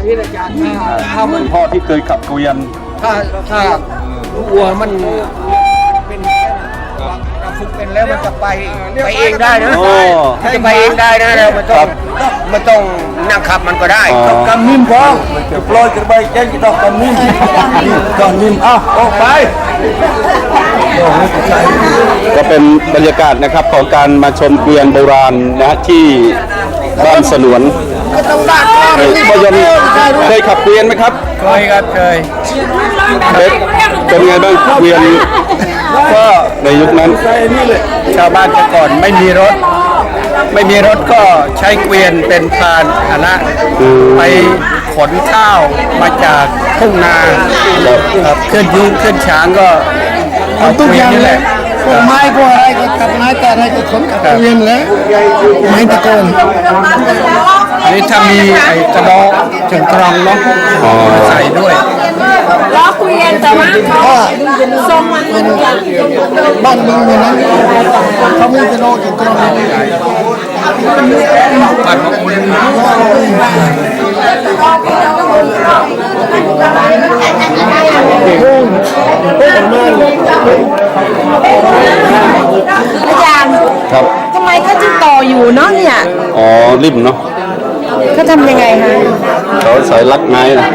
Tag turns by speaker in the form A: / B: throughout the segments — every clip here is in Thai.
A: อย่างนี้อาจารย์ถ้ามัน
B: คุณพ่อที่เคยขับเกวียน
A: ถ้าวัวมันเป็นเราฝึกเป็นแล้วมันจะไปเองได้นะมันจะไปเองได้นะเรามันต้องนั่งขับมันก็ได้ต้องกำนิ่มพอจะปล่อยกระบายแจ้งต้องกำนิ่มกำนิ่มออกไป
B: ก็เป็นบรรยากาศนะครับของการมาชมเกวียนโบราณนะที่บ้านสนวนพ่อยมเคยขับเกวียนไหมครับ
A: เคยครับเคย
B: เป็นไงบ้างเกวียนก็ในยุคนั้น
A: ชาวบ้านแต่ก่อนไม่มีรถก็ใช้เกวียนเป็นพาหนะไปขนข้าวมาจากทุ่งนาเคลื่อนยืนเคลื่อนช้างก็เอาเกวียนนี่แหละพวกไม้พวกอะไรก็ตัดไม้แต่อะไรก็ขนกับเกวียนแล้วไม้ตะโกนอันนี้ถ้ามีไอ้กระบอกถึงกรองเนาะใส่ด้วย
C: ล้อเกวียนแต่ว่าทรงมัน
A: บ้านเมืองอย่างนั้นเขามีกระบอกถึงกรองบ้านของคุณ
C: อาจารย์
B: ครับ
C: ทำไมเขาจึงต่ออยู่เนาะเนี่ย
B: อ๋อริมเนาะ
C: เขาทำยังไงคะ
B: เขาใส่ลักไม้นะ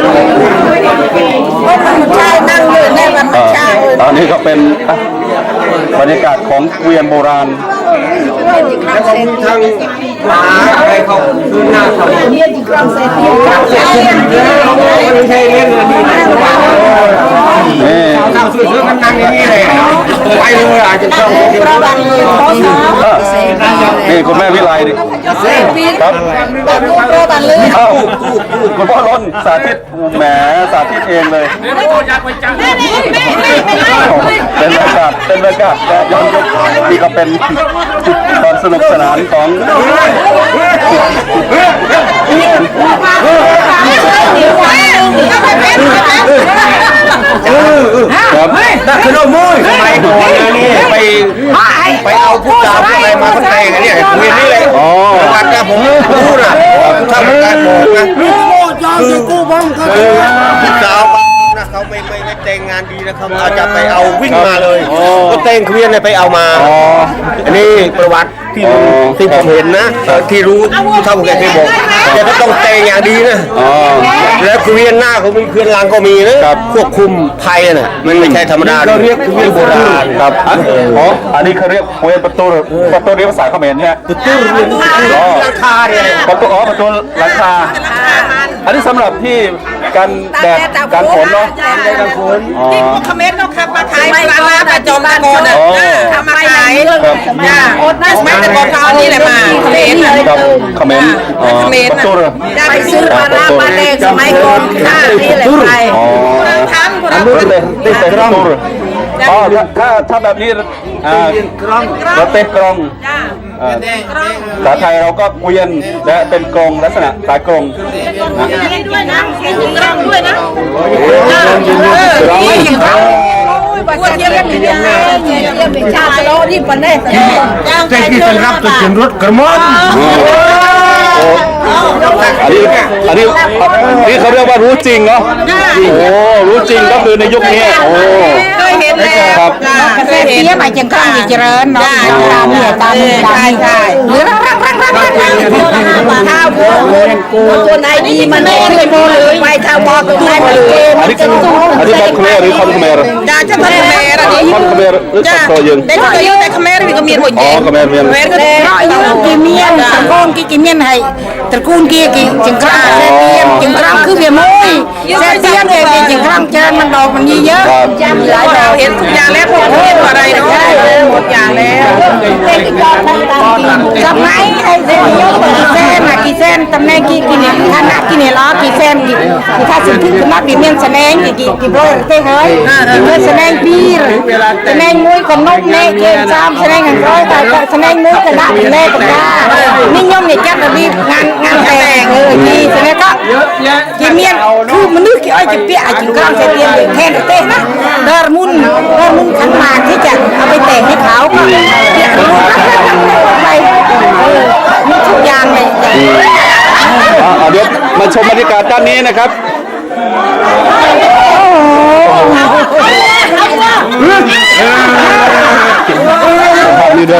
C: มันใช่นั่งอยู่ในมันใช่
B: ตอนนี้ก็เป็นบรรยากาศของเกวียนโบราณ
A: แล้วก็มีทางหาอะไรเขาคืนหน้าเขาไม่ใช่เรื่องนี้ข้าวซื้อมันนั่งอย่างนี้เลยไปเลยอาจจะต้อง
B: นี่คุณแม่วิไลดิครับคุณพ่อล้นสาธิตแหมสาธิตเองเลยเป็นบรรยากาศและย้อนยุคนี่ก็เป็นตอนสนุกสนานของครับ
A: นักขนมมุ้ยไปก่อนนะนี่ไปเอาผู้สาวอะไรมาคนไทยกันเนี่ยเวียนนี่เลยวันนี้ผมพูดนะทำการบอกนะคือผู้สาวนะเขาไม่แต่งงานดีนะเขาอาจจะไปเอาวิ่งมาเลยก็แต่งเวียนไปเอามาอันนี้ประวัติที่ผมเห็นนะที่รู้ที่เท่าแกเคยบอกแต่ก็ต้องแต่งอย่างดีนะแล้วเวียนหน้าเขามีเวียนหลังก็มีนะควบคุมภัยน่ะมันไม่ใช่ธรรมดาเรียกเวียนโบราณ
B: ครับอ๋ออันนี้เขาเรียกเวียนประตูเรียกภาษาเขมรใช่ไหม
A: ประตูหลังคาเนี่ย
B: ประตูหลังคาอันนี้สำหรับที่การแดดการฝนเนาะ
A: การฝน
C: ที่พวกเขมรเขาขับมาขายปลาประจอมตะโกนอ่ะทำมาขายไม่แต่ก่อนเขาเอานี่แหละมาเขมร
B: เขมรประตู
C: ไปซื้อปลาปลาแดงสมัยก่อนค่านี่แหละไปทำคนละ
B: ที่ใส่ประตูอ๋อถ้าแบบนี้รถเตะกรองภาษาไทยเราก็เกวียนและเป็นกรงลักษณะสายกรง
C: ด้วยนะกรงด้วยนะว่าเทียบกันเป็นยังไงเทียบเป็นชาติโลนี่ปนเนี่ย
A: แต่ที่เป็นรับตัวจริงรถกระมอน
B: อันนี้เขาเรียกว่ารู้จริงเนาะโอ้รู้จริงก็คือในยุคนี้โอ้
C: เคยเห็นแล้วครับเคยเห็นมาจังก้างเจริญเนาะตามเนี่ยตามใช่หรือรักข้าวตัวไหนดีมันโม่เลยโม่เลยไปข้าวบอกตัวไหนมันเกม
B: อันนี้แบบเขมรหรือคอนเขมร
C: จ้าจะคอนเขมรอันนี้
B: คอนเขมรหรือคอนโตยึง
C: ได้ก็ยึงแต่เขมรมีก็มีหมดเอง
B: เขมรเมียน
C: ก็ได้กิเมียนสังคมกิเมียนให้ตระกูลกี่จึงกล้าเสียนจึงกล้าคือเบียมวยเสียนจึงกล้าเจริญมันดอกมันเยอะหลายดอกเห็นทุกอย่างแล้วพวกเรียกว่าอะไรเนาะหมดอย่างแล้วทำไมไอ้เส้นยกกี่เส้นตำแหน่งกี่เนี่ยขนาดกี่เนี่ยล้อกี่เส้นกี่ถ้าสิ่งที่คือนักดิเมียนแสดงกี่โบเต้เฮ้ยเมื่อแสดงปีแสดงมวยกับนกเน่เกมซ้ำแสดงกันร้อยแต่แสดงมวยกับนักเล่กับน้านิยมเนี่ยจัดระเบียบงานแต่งกี่แสดงก็กี่เมียนคือมนุษย์กี่อ้อยกี่เปียจึงกลางเสียนแทนเต้นะดอร์มุนขันมาที่จะเอาไปแต่งให้เขาก็เปียรู้ไปมีทุกอย่างเลย
B: เดี๋ยวมาชมบรรยากาศด้านนี้นะครับภาพนี้ด้วย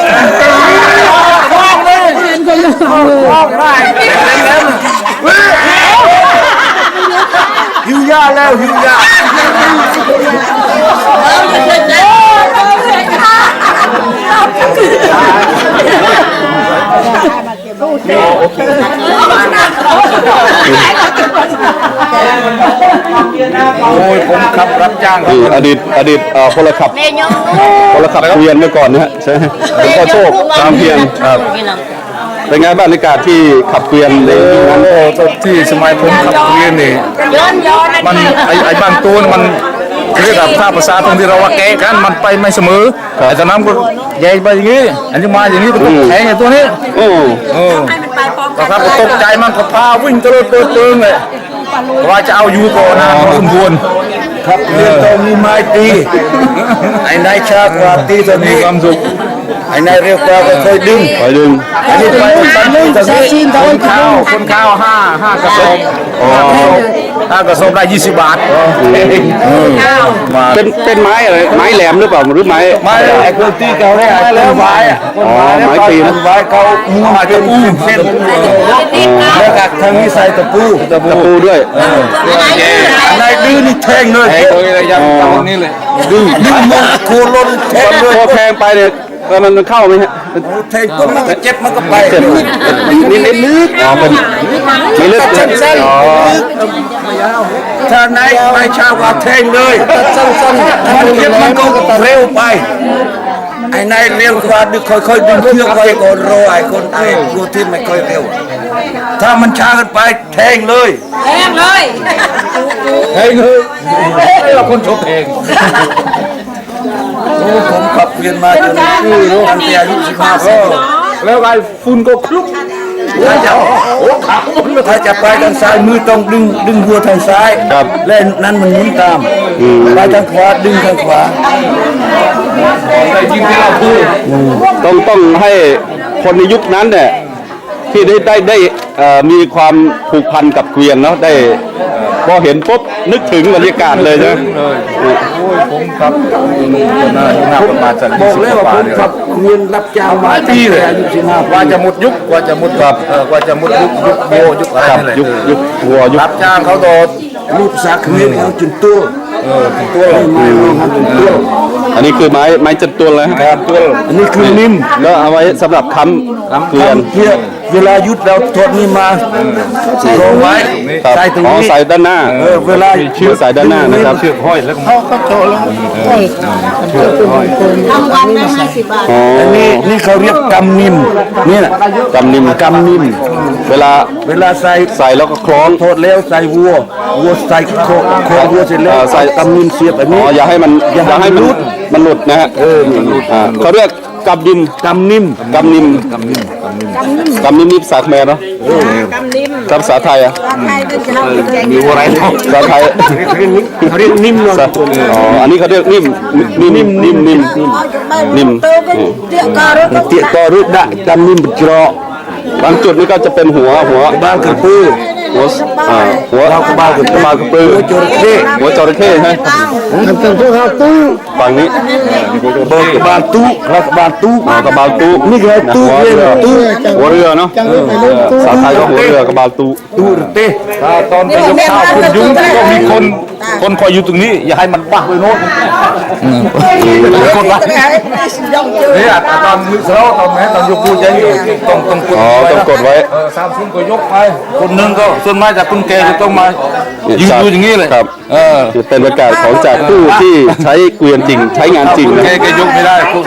A: หิวยาแล้วหิวยา โอ้ยผมขับรับจ้างครับ
B: นี่อดีตพลขับเกวียนเมื่อก่อนนะฮะใช่ไหมเป็นพ่อโชคตามเพียรครับเป็นไงบ้างบรรยากาศที่ขับเกวียนในยุคนั้น
A: โอ้ที่สมัยผมขับเรียนนี่มันไอ้บางตัวมันเรียกว่าภาษาตรงที่เราว่าแกกันมันไปไม่เสมอไอ้ตอนนั้นก็แย่ไปอย่างนี้อันนี้มาอย่างนี้ก็แข็งอย่างตัวนี้
B: โอ้
A: ครับตกใจมันก็พาวิ่งตะลุยเปิดเปิงเลยว่าจะเอาอยู่ก่อนนะพอสมควรครับเรื่องตรงนี้ไม่ตีไอ้นายชากว่าตีตอนนี้ความสุขไอ้นายเรียกว่าก็เคยดึง
B: ไปดึง
A: อันนี้ไปตอนนี้คนข้าวห้ากระสอบห้ากระสอบได้20 บาทมา
B: เป็นไม้อะไรไม้แหลมหรือเปล่าหรือไม้
A: ไม่ไอ้คนตีเขาเนี่ยไอ้แล้วไม้อะ
B: อ๋อไม้ปีนะ
A: ไม้เขามูมาจะปูเส้นแล้วกัดทางนี้ใส่ตะปู
B: ตะปูด้วย
A: นายดื้อนี่แทงเลยแทงเลยยังตอนนี้เลยดื้อมันโคลนแทงเลย
B: พอแทงไปเนี่ยมันเข้าไหมฮะ
A: แทงปุ๊บมันก็เจ็บมันก็ไป
B: เจ็บนี่ลึกอ๋อเป็นไม่ลึก
A: สั้น
B: อ๋อ
A: ถ้านายชาวว่าแทงเลยสั้นมันเจ็บมันก็เร็วไปไอ้นายเร็วกว่าดึงค่อยๆดึงเชือกไว้ก่อนรอไอ้คนไอ้ตัวที่ไม่ค่อยเร็วถ้ามันช้าเกินไปแทงเลยแทงเลยเราคนชกเองโอ้ผมขับเรียนมาจนตั้งแต่อายุ15ปีแล้วไอ้ฝุ่นก็คลุกถ้าจะถ้าจะไปทางซ้ายมือต้องดึงหัวทางซ้ายและนั้นมันหมุนตามไปทางขวาดึงทางขวาได้ยินที่เราพูด
B: ต้องให้คนในยุคนั้นเนี่ยที่ได้มีความผูกพันกับเกวียนเนาะได้พอเห็นปุ๊บนึกถึงบรรยากาศเลยนะ
A: โอ้ยผมครับน่าประมาณสักบอกเลยว่าผมครับเงินรับจ้างมาปีเลยว่าจะหมดยุคว่าจะหมดแบบว่าจะหมดยุคโบยุคอะไร
B: ครับ
A: นี่แหละ
B: ยุควัวยุค
A: รับจ้างเขาโดดรูปสักเงินเอาจนตัวตัวไม่ทำจนตัว
B: อันนี้คือไม้จัดตัวเลยฮะ
A: ครับตัวอันนี้คือนิ่ม
B: แล้วเอาไว้สำหรับค้ำเกวียน
A: เพื่อเวลายุดเราทดนี่มาลงไว้
B: ครับ
A: ใส่ตรง
B: อ๋อ
A: นี้
B: ใส่ด้านหน้า
A: เวลา
B: เชือกใส่ด้านหน้านะครับเชือกห้อยแล้วอ๋อ
A: อันนี้นี่เขาเรียกกำนิ่มนี่แหละ
B: กำนิ่ม
A: กำนิ่ม
B: เวลา
A: เวลาใส่
B: ใส่แล้วก็คล้อง
A: โทษแล้วใส่วัวใส่โควัวเสร็จแล้ว
B: ใส่
A: กำนิ่มเสียบอัน
B: อ๋
A: นี้
B: ออย่าให้มันหลุดมันหลุดนะฮะเขาเรียกกำดิม
A: กำนิ่ม
B: กำนิมนี่ภาษาเขมรเนาะภาษาไทยอ่ะ
A: มีวัวไรเนาะ
B: ภาษาไทย
A: เขาเรียกนิ่มเนาะ
B: อ๋ออันนี้เขาเรียกนิ่ม
A: เตี้ยก็รุดได้กำนิ่มเจาะ
B: บางจุดนี่ก็จะเป็นหัว
A: บ้านกระปือ
B: หัวเรากระบาลกระปือหัวจระเข้ใช่ไหม
A: ทำเป็นพวกเขาตู้
B: ฝั่งนี้
A: เบิกบานตู้รัฐบาลตู้
B: กระบาลตู้
A: นี่คือตู้
B: หัว
A: เรีย
B: เรื
A: น
B: อ
A: ตู้
B: หัวเรือเนาะภาษาไทยก็หัวเรือกระบาลตู้
A: ตู้เต้ถ้าตอนไปยกข้าวคุณยุ้งก็มีคนคอยอยู่ตรงนี้อย่าให้มันบ้าไปโน้นคนละนี่ตอนมือเท้าตอนไหนตอนยกพูดยังต้องกด
B: อ๋อต้องกดไว้
A: 30ก็ยกไปคนนึงก็ส่วนมากจากคุณแกจะต้องมายืนอยู่อย่างนี้เลย
B: ครับจะเป็นบรรยากาศของจากผู้ที่ใช้เกวียนจริงใช้งานจริงนะ
A: แกยกไม่ได้คุณ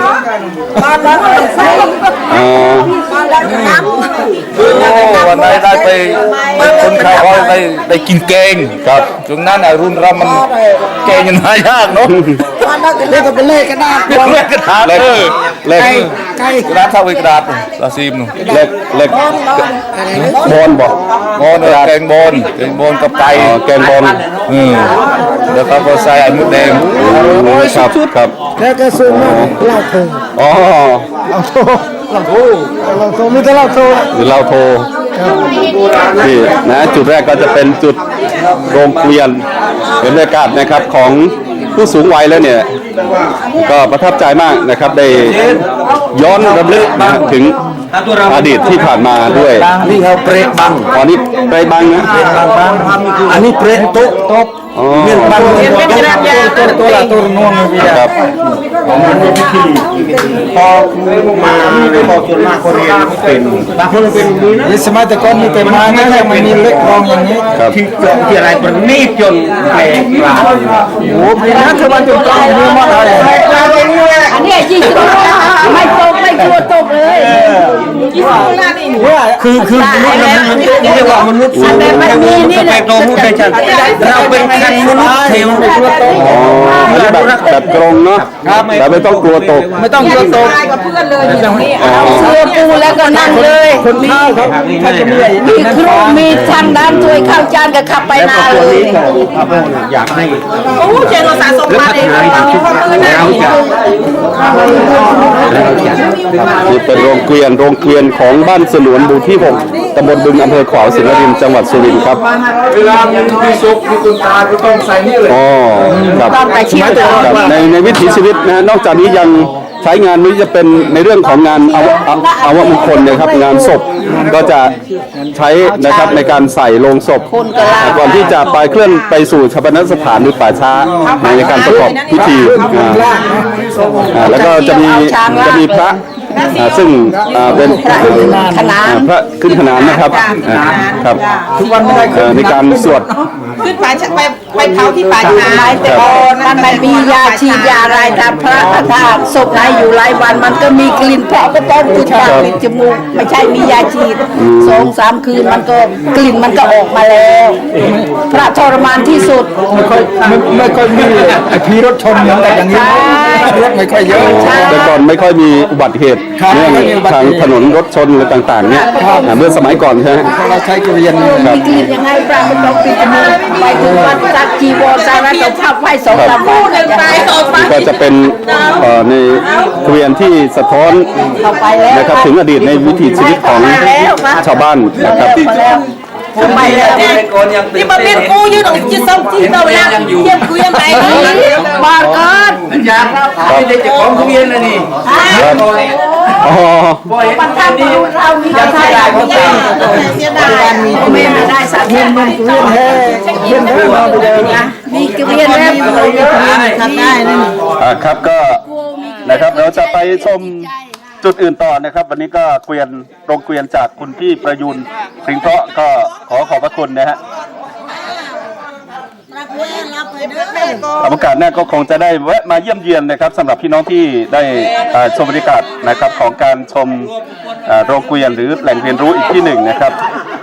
B: อ๋อ
A: วันไหนได้ไปคนข่าวว่าได้กินแกง
B: ครับ
A: ช่วงนั้นรุ่นเรามันแกงยังหายากเนาะ
C: เรียกเป็นเลขก็ได้
A: เลขกระดาษ
B: เล็กเล็ก
A: กระดาษเท่ากับกระดาษตาซีมหนู
B: เล็กบอลบอก
A: บอลแกงบอลกับไก่
B: แกงบอล
A: แล้วก็ใส่ไอ้มดแดง
B: ครับ
C: แล้วก็ซื้อมาเหล้าโถ
B: อ๋อ
C: เหล้าโถมีแต่เหล้าโถ
B: หรือเราโทรที่นะจุดแรกก็จะเป็นจุดโรงเกวียนเป็นบรรยากาศนะครับของผู้สูงวัยแล้วเนี่ยก็ประทับใจมากนะครับได้ย้อนรำลึกนะถึงอดีตที่ผ่านมาด้วย
A: นี่เขาเปรตบัง
B: ตอนนี้ไปบังนะ
A: อันนี้เปรตโต๊ะ
B: อ๋อ
A: เนี่ยบังตัวละตัวน่วงเลย
B: ครับ
A: พอมาพอจนมากคนเรียนเป็นบางคนเป็นนี้นะสมัยแต่ก่อนมีแต่มาเนี่ยยังไม่มีเล็กรองอย่างนี้
B: ครับ
A: ที่อะไรประณีตจนแปลกประหลาดโอ้พี่นะคือมันจนกลางมือหมดเลย
C: อันนี้จริงๆไม่ตกไม่กลัวตกเลยยี่สิบล้านนี่
A: คือมนุษย์มันเรียกว่ามนุษย์สูงสเปกโนมุได้ชัดเราเป็นคันมนุษย์เทว
B: อ๋ออันนี้แบบกรงเนาะแต่ไม่ต้องกลัวตก
A: ไม่ต้องเยอะโต
C: กับเพื่อนเลยเสื้อปูแล้วก็นั่งเลย
A: คนข้าวครับถ้าจะมี
C: มีครูมีทางด้านช่วยข้าวจานกับขับไปนาเลย
A: อยากให้
C: โอ้เจนเราสะสมมาเองเราเพื่อนนะ
B: นี่เป็นโรงเกวียนของบ้านสนวนหมู่ที่ 6 ตำบลบึงอำเภอขวาวสิงห์นรินทร์จังหวัดสุรินทร์ครับ
A: เวลามีซุปมีคุณตาก็ต้องใส่นี่เลย
B: อ๋อครับ
C: ต้องไปชิมก่อน
B: ครับในวิถีชีวิตนะนอกจากนี้ยังใช้งานนี้จะเป็นในเรื่องของงานอาวมงคลนะครับงานศพก็จะใช้นะครับในการใส่โลงศพก่อนที่จะไปเคลื่อนไปสู่ชาปนสถานหรือป่าช้าในการประกอบพิธีแล้วก็จะมีพระซึ่งเป็น
C: ขนาน
B: พระขึ้นขนานนะครับครับ
A: ทุกวันไม่ได้
B: ในการสวด
C: ขึ้นไปเผาที่ป่าช้าแต่ก่อนมันไม่มียาฉีดยาอะไรตามพระถ้าศพไหนอยู่หลายวันมันก็มีกลิ่นเพราะก็ต้องติดปากติดจมูกไม่ใช่มียาฉีด2-3 คืนมันก็กลิ่นมันก็ออกมาแล้ว พระทรมานที่สุด
A: ไม่ค่อยมีไอพีรถชนอย่างนี้รถไม่ค่อยเยอะ
B: แต่ก่อนไม่ค่อยมีอุบัติเหตุเรื่องทางถนนรถชนอะไรต่างๆเนี่ยเมื่อสมัยก่อนใช่ไหม
A: เราใช้เกวียน
C: มีกลิ่นยังไงพระก็ต้องปิดจมูกไปถึงวัดสักจีวรสารตบภาพไฟ2-3 วันไปต่อไป
B: ก็จะเป็นในเกวียนที่สะท้อน
C: เข้าไปแล้ว
B: นะครับถึงอดีตในวิถีชีวิตของชาวบ้านนะครับ
C: ไปแล้วนี่มาเป็นกูอยู่ตรงจุดส่งที่เราแล้วเยี่ยมกูยังไงบ้านก่อน
A: อยากไม่ได้จะของเกวียนเลยนี่
B: อ๋อ
C: ปัจจัยเรามียังไงเขาเสียดายไม่ได้สักเงินมันเงินเฮ้เงินเฮ้มีเกวียนแล้วทำได้นั่น
B: ครับก็นะครับเราจะไปชมจุดอื่นต่อนะครับ วันนี้ก็โรงเกวียนจากคุณพี่ประยุนสิงห์เพราะก็ขอบพระคุณนะฮะโอกาสหน้าก็คงจะได้แวะมาเยี่ยมเยียนนะครับสำหรับพี่น้องที่ได้ชมบรรยากาศนะครับของการชมโรงเกวียนหรือแหล่งเรียนรู้อีกที่หนึ่งนะครับ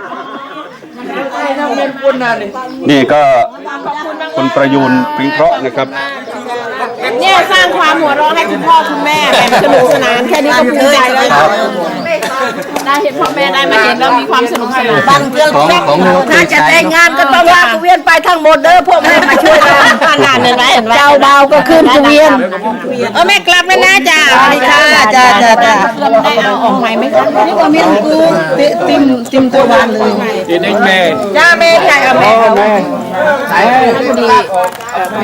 B: นี่ก็คุณประยุนสิงห์เพราะนะครับ
D: เนี่ยสร้างความหัวเราะให้คุณพ่อคุณแม่แบบสนุกสนานแค่นี้ก็ภูมิใจแล้วได้เห็นพ่อแม่ได้มาเห็นแล้วมีความสนุกสนาน
C: บางเรื่องถ้าจะแต่งงานก็ต้องลากเกวียนไปทั้งหมดเด้อพวกแม่มาช่วยกัน
D: งานเห็นไหมเห็นไหม
C: เจ้าเบาก็ขึ้นเกวียน
D: แม่กลับแล้วนะจ้า
C: สวัสดีค่ะจ้า
D: ได้เอาออกใหม่ไหมคะ
C: นี่ก็มีกูติมตัววานเลย
A: เด็กแม่
D: จ้าแม่ใหญ่เอาแม่